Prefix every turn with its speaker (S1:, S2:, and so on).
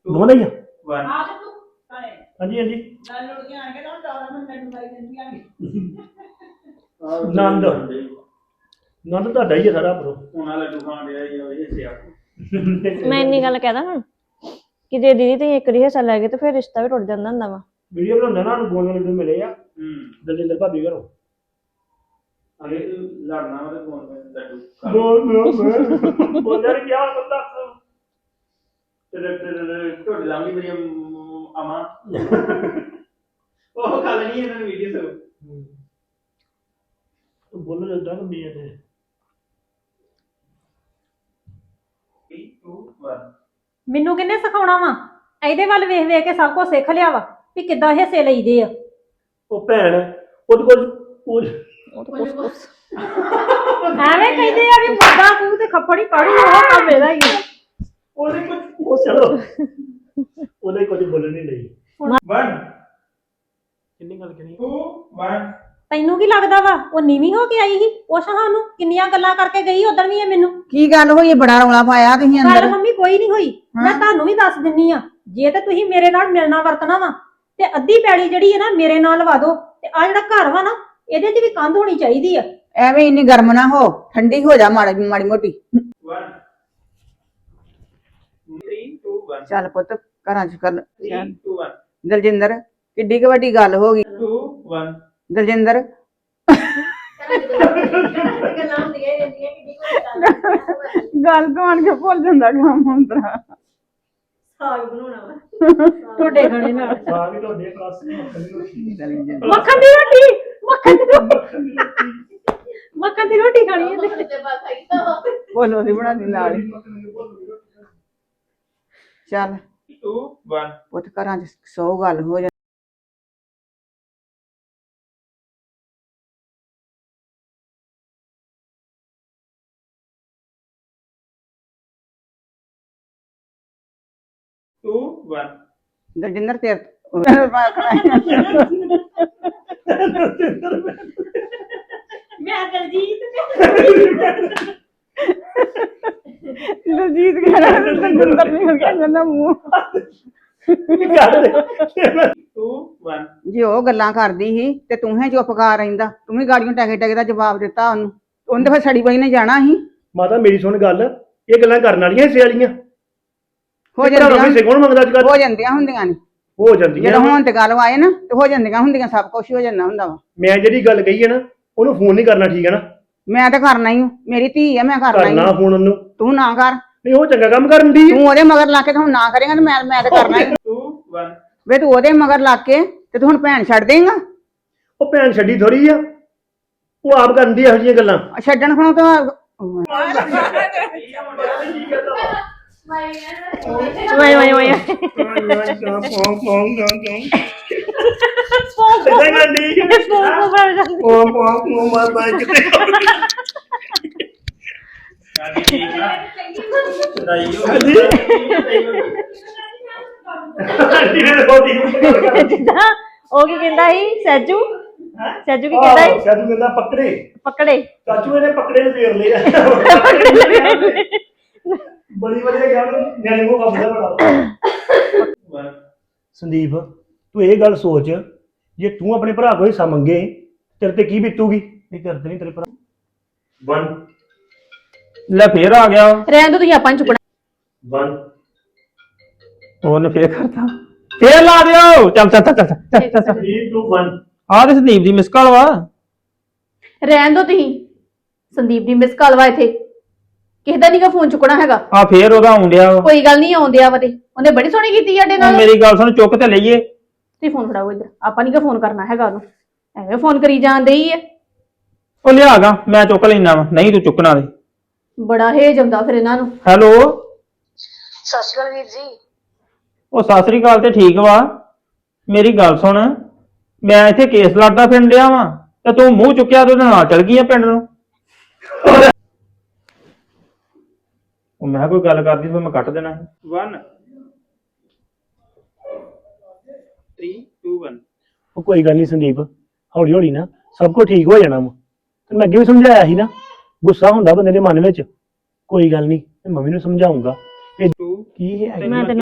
S1: ਦੋਵਾਂ ਦਾ ਹੀ ਆ
S2: 1
S1: ਹਾਂਜੀ ਹਾਂਜੀ ਨੰਦ ਨੰਦ ਤੁਹਾਡਾ ਹੀ ਆ ਸਾਰਾ ਬਰੋ
S2: ਉਹਨਾਂ ਲੱਡੂ ਖਾਣ ਰਿਹਾ ਹੀ ਹੋਏ ਹਿੱਸੇ ਆ
S3: ਮੈਂ ਇੰਨੀ ਗੱਲ ਕਹਿਦਾ ਹੁਣ ਕਿ ਜੇ ਦੀਦੀ ਤੁਸੀਂ ਇੱਕ ਹਿੱਸਾ ਲੈ ਗਏ ਤੇ ਫਿਰ ਰਿਸ਼ਤਾ ਵੀ ਟੁੱਟ ਜਾਂਦਾ ਹੁੰਦਾ ਵਾ
S1: ਵੀਡੀਓ ਬਣਾਉਂਦਾ ਨਾ ਨੂੰ ਗੋਲ ਲੱਡੂ ਮਿਲੇ ਆ ਦਲਜਿੰਦਰ ਭਾਬੀ ਘਰੋਂ
S2: ਅਰੇ ਲੜਨਾ ਉਹਦੇ ਫੋਨ ਤੇ ਲੱਡੂ
S1: ਬੋਲਿਆ ਕੀ ਹਾਲ ਬੰਦਾ
S2: ਤੇ ਢੋਡ ਲਾਂਗੀ ਮੇਰੀ ਅਮਾ ਉਹ ਕੱਲ ਨਹੀਂ ਇਹਨਾਂ ਵੀਡੀਓ ਸੋ
S1: ਤੂੰ ਬੋਲ ਲੱਗਦਾ ਕਿ ਮੈਂ ਤੇ
S2: 3 2 1
S4: ਮੈਨੂੰ ਕਿੰਨੇ ਸਿਖਾਉਣਾ ਵਾ ਇਹਦੇ ਵੱਲ ਵੇਖ ਵੇਖ ਕੇ ਸਭ ਕੁਝ ਸਿੱਖ ਲਿਆ ਵਾ ਵੀ ਕਿੱਦਾਂ ਹਿੱਸੇ ਲਈਦੇ ਆ
S1: ਉਹ ਭੈਣ ਉਹਦੇ ਕੋਲ
S4: ਐਵੇਂ ਕਹਿੰਦੇ ਆ ਵੀ ਮੁੱਦਾ ਕੂ ਤੇ ਖੱਪੜੀ ਕਾੜੂ ਉਹ ਕੰਮ ਇਹਦਾ ਹੀ ਆ।
S1: ਉਹਦੇ ਕੁਝ ਉਹ ਚਲੋ ਉਹਦੇ ਕੁਝ ਬੋਲਣ ਨਹੀਂ ਲਈ
S2: 1
S1: ਕਿੰਨੀ ਗੱਲ ਕਰੀ
S2: 2 1
S4: ਤੈਨੂੰ ਕੀ ਲੱਗਦਾ ਵਾ ਉਹ ਨੀਵੀਂ ਹੋ ਕੇ ਆਈ ਸੀ ਉਹ ਸਾਨੂੰ ਕਿੰਨੀਆਂ ਗੱਲਾਂ ਕਰਕੇ ਗਈ ਉਦੋਂ ਵੀ ਇਹ ਮੈਨੂੰ
S5: ਕੀ ਗੱਲ ਹੋਈ ਬੜਾ ਰੌਲਾ ਪਾਇਆ ਤੁਸੀਂ
S4: ਗੱਲ
S5: ਅੰਦਰ
S4: ਮੰਮੀ ਕੋਈ ਨਹੀਂ ਹੋਈ ਮੈਂ ਤੁਹਾਨੂੰ ਵੀ ਦੱਸ ਦਿੰਨੀ ਆ ਜੇ ਤੇ ਤੁਸੀਂ ਮੇਰੇ ਨਾਲ ਮਿਲਣਾ ਵਰਤਣਾ ਵਾ ਤੇ ਅੱਧੀ ਪੈਲੀ ਜਿਹੜੀ ਹੈ ਨਾ ਮੇਰੇ ਨਾਲ ਲਵਾ ਦਿਓ ਤੇ ਆ ਜਿਹੜਾ ਘਰ ਵਾ ਨਾ ਇਹਦੇ 'ਚ ਵੀ ਕੰਧ ਹੋਣੀ ਚਾਹੀਦੀ ਆ
S5: ਐਵੇਂ ਇੰਨੀ ਗਰਮ ਨਾ ਹੋ ਠੰਡੀ ਹੋ ਜਾ ਮਾੜੀ ਮਾੜੀ ਮੋਟੀ
S2: 1 3 2 1
S5: ਚੱਲ ਪੁੱਤ ਘਰਾਂ ਚ ਕਰ
S2: 3 2 1
S5: ਦਲਜਿੰਦਰ ਕਿੱਡੀ ਕੁ ਵੱਡੀ ਗੱਲ ਹੋ ਗਈ
S2: 2 1
S5: ਦਲਜਿੰਦਰ ਗੱਲ ਤੋਂ ਆਣ ਕੇ ਭੁੱਲ ਜਾਂਦਾ ਕੰਮ ਹੁੰਦਾ
S4: ਸਾਗ ਬਣਾਉਣਾ ਵਾ ਟੋਡੇ ਖਾਣੇ ਨਾਲ
S1: ਸਾਗ ਹੀ ਤੁਹਾਡੇ ਕਲਾਸ ਦੀ
S4: ਮੱਖਣ ਦੀ ਰੋਟੀ ਮੱਖਣ ਦੀ ਰੋਟੀ ਖਾਣੀ ਹੈ
S5: ਬੋਲੋ ਦੀ ਬਣਾ ਦੀ ਨਾਲ ਹੀ। ਚੱਲ
S2: 2 1
S5: ਪੁੱਤ ਘਰਾਂ ਚ 100 ਗੱਲ ਹੋ ਜਾ
S2: 2 1
S5: ਦਲਜਿੰਦਰ ਤੇਰੇ
S4: ਮੈਂ ਦਲਜੀਤ
S5: ਦਲਜੀਤ ਕਹਿੰਦਾ ਦਲਜਿੰਦਰ ਨਹੀਂ ਹੋ ਗਿਆ ਜਨਾ ਮੂੰਹ
S2: 2 1
S5: ਜੇ ਉਹ ਗੱਲਾਂ ਕਰਦੀ ਸੀ ਤੇ ਤੂੰ ਹੀ ਚੁੱਪ ਕਰ ਰਹਿੰਦਾ ਤੂੰ ਵੀ ਗਾੜੀਆਂ ਟਕੇ ਟਕੇ ਦਾ ਜਵਾਬ ਦਿੱਤਾ ਉਹਨੂੰ ਉਹਨੇ ਤਾਂ ਫਿਰ ਸੜੀ ਬਈ ਨੇ ਜਾਣਾ ਸੀ
S1: ਮਾਤਾ ਮੇਰੀ ਸੁਣ ਗੱਲ ਇਹ ਗੱਲਾਂ ਕਰਨ ਵਾਲੀਆਂ ਹਿੱਸੇ ਵਾਲੀਆਂ
S5: ਹੋ ਜਾਂਦੀਆਂ
S1: ਹਿੱਸੇ ਕੌਣ ਮੰਗਦਾ ਅੱਜ ਕੱਲ੍ਹ
S5: ਹੋ ਜਾਂਦੀਆਂ ਹੁੰਦੀਆਂ ਨੇ
S1: ਹੋ ਜਾਂਦੀਆਂ
S5: ਜਦੋਂ ਹੁਣ ਤੇ ਗੱਲ ਆਏ ਨਾ ਤੇ ਹੋ ਜਾਂਦੀਆਂ ਹੁੰਦੀਆਂ ਸਭ ਕੁਝ ਹੋ ਜਾਂਦਾ ਹੁੰਦਾ ਵਾ
S1: ਮੈਂ ਜਿਹੜੀ ਗੱਲ ਕਹੀ ਹੈ ਨਾ ਉਹਨੂੰ ਫੋਨ ਨਹੀਂ ਕਰਨਾ ਠੀਕ ਹੈ ਨਾ
S5: ਮੈਂ ਤਾਂ ਕਰਨਾ ਹੀ ਹੂੰ ਮੇਰੀ ਧੀ ਆ ਮੈਂ ਕਰਨਾ ਹੀ
S1: ਕਰਨਾ ਫੋਨ ਉਹਨੂੰ
S5: ਤੂੰ ਨਾ ਕਰ
S1: ਨਹੀਂ ਉਹ ਚੰਗਾ ਕੰਮ ਕਰਨ ਦੀ
S5: ਤੂੰ ਉਹਦੇ ਮਗਰ ਲਾ ਕੇ ਤੇ ਹੁਣ ਨਾ ਕਰੇਗਾ ਤੇ ਮੈਂ ਤਾਂ ਕਰਨਾ ਹੀ
S2: 2 1
S5: ਵੇ ਤੂੰ ਉਹਦੇ ਮਗਰ ਲਾ ਕੇ ਤੇ ਤੂੰ ਹੁਣ ਭੈਣ ਛੱਡ ਦੇਂਗਾ
S1: ਉਹ ਭੈਣ ਛੱਡੀ ਥੋੜੀ ਆ ਉਹ ਆਪ ਕਰਨ ਦੀ ਇਹੋ ਜਿਹੀਆਂ ਗੱਲਾਂ
S5: ਛੱਡਣ ਖਣੋ ਤਾਂ
S3: ਵਾਏ ਵਾਏ ਵਾਏ
S2: ਗਾੜੀ ਠੀਕ ਆ ਸਦਾਈ ਹੋ
S3: ਜਿੱਦਾਂ ਉਹ ਕੀ ਕਹਿੰਦਾ ਸੀ ਸੈਜੂ ਸੈਜੂ ਕੀ ਕਹਿੰਦਾ ਸੀ
S1: ਸੈਜੂ ਕਹਿੰਦਾ ਪਕੜੇ
S3: ਪਕੜੇ
S1: ਚਾਚੂ ਇਹਨੇ ਪਕੜੇ ਨੂੰ ਫੇਰ ਲਿਆ ਬੜੀ ਵਧੀਆ ਗੱਲ ਨਿਆਣੇ ਨੂੰ ਆਪਦਾ ਬੜਾ ਸੰਦੀਪ ਤੂੰ ਇਹ ਗੱਲ ਸੋਚ ਜੇ ਤੂੰ ਆਪਣੇ ਭਰਾ ਕੋਲ ਹਿੱਸਾ ਮੰਗੇ ਤੇਰੇ ਤੇ ਕੀ ਬੀਤੂਗੀ ਇਹ ਕਰਦੇ ਨਹੀਂ ਤੇਰੇ ਭਰਾ 1
S2: ਲੈ ਫੇਰ ਆ ਗਿਆ
S4: ਰਹਿਣ ਦੋ ਤੁਸੀਂ ਆਪਾਂ ਨੂੰ ਚੁੱਕਣਾ
S1: 1
S2: ਉਹਨੇ ਫੇਰ ਕਰਤਾ ਫੇਰ ਲਾ ਦਿਓ ਚੱਲ ਚੱਲ ਚੱਲ
S1: 3 2 1
S2: ਆਹ ਤੇ ਸੰਦੀਪ ਦੀ ਮਿਸ ਕਾਲ ਵਾ
S4: ਰਹਿਣ ਦੋ ਤੁਸੀਂ ਸੰਦੀਪ ਦੀ ਮਿਸ ਕਾਲ ਵਾ ਇੱਥੇ ਕਿਸੇ ਦਾ ਨਹੀਂਗਾ ਫੋਨ ਚੁੱਕਣਾ ਹੈਗਾ
S2: ਆ ਫੇਰ ਉਹਦਾ ਆਉਂਦਿਆ ਵਾ
S4: ਕੋਈ ਗੱਲ ਨਹੀਂ ਆਉਂਦਿਆ ਵਾ ਤੇ ਉਹਨੇ ਬੜੀ ਸੋਹਣੀ ਕੀਤੀ ਸਾਡੇ ਨਾਲ
S2: ਮੇਰੀ ਗੱਲ ਸੁਣ ਚੁੱਕ ਤੇ ਲਈਏ
S4: ਤੁਸੀਂ ਫੋਨ ਫੜਾਓ ਇੱਧਰ ਆਪਾਂ ਨਹੀਂਗਾ ਫੋਨ ਕਰਨਾ ਹੈਗਾ ਉਹਨੂੰ ਐਵੇਂ ਫੋਨ ਕਰੀ ਜਾਂਦੇ ਹੀ ਆ
S2: ਉਹ ਲਿਆਗਾ ਮੈਂ ਚੁੱਕ ਲੈਣਾ ਵਾ ਨਹੀਂ ਤੂੰ ਚੁੱਕਣਾ ਦੇ
S4: ਬੜਾ ਹੇਜ ਆਉਂਦਾ ਫਿਰ ਇਹਨਾਂ ਨੂੰ
S2: ਹੈਲੋ
S3: ਸਤਿ ਸ਼੍ਰੀ ਅਕਾਲ ਵੀਰ ਜੀ
S2: ਉਹ ਸਤਿ ਸ੍ਰੀ ਅਕਾਲ ਤੇ ਠੀਕ ਵਾ ਮੇਰੀ ਗੱਲ ਸੁਣ ਮੈਂ ਇੱਥੇ ਕੇਸ ਲੜਦਾ ਫਿਰਨ ਡਿਆ ਵਾ ਤੇ ਤੂੰ ਮੂੰਹ ਚੁੱਕਿਆ ਤੇ ਉਹਦੇ ਨਾਲ ਚਲ ਗਈ ਆ ਪਿੰਡ ਨੂੰ ਉਹ ਮੈਂ ਕੋਈ ਗੱਲ ਕਰਦੀ ਫਿਰ ਮੈਂ ਕੱਟ ਦੇਣਾ 1 3 2 1
S1: ਉਹ ਕੋਈ ਗੱਲ ਨਹੀਂ ਸੰਦੀਪ ਹੌਲੀ ਹੌਲੀ ਨਾ ਸਭ ਕੁਝ ਠੀਕ ਹੋ ਜਾਣਾ ਵਾ ਤੇ ਮੈਂ ਅੱਗੇ ਵੀ ਸਮਝਾਇਆ ਸੀ ਨਾ ਗੁੱਸਾ ਹੁੰਦਾ ਬੰਦੇ ਦੇ ਮਨ ਵਿੱਚ ਕੋਈ ਗੱਲ ਨਹੀਂ ਮੈਂ ਮੰਮੀ ਨੂੰ ਸਮਝਾਉਂਗਾ ਇਹ
S2: 2
S1: ਕੀ ਹੈ
S3: ਮੈਂ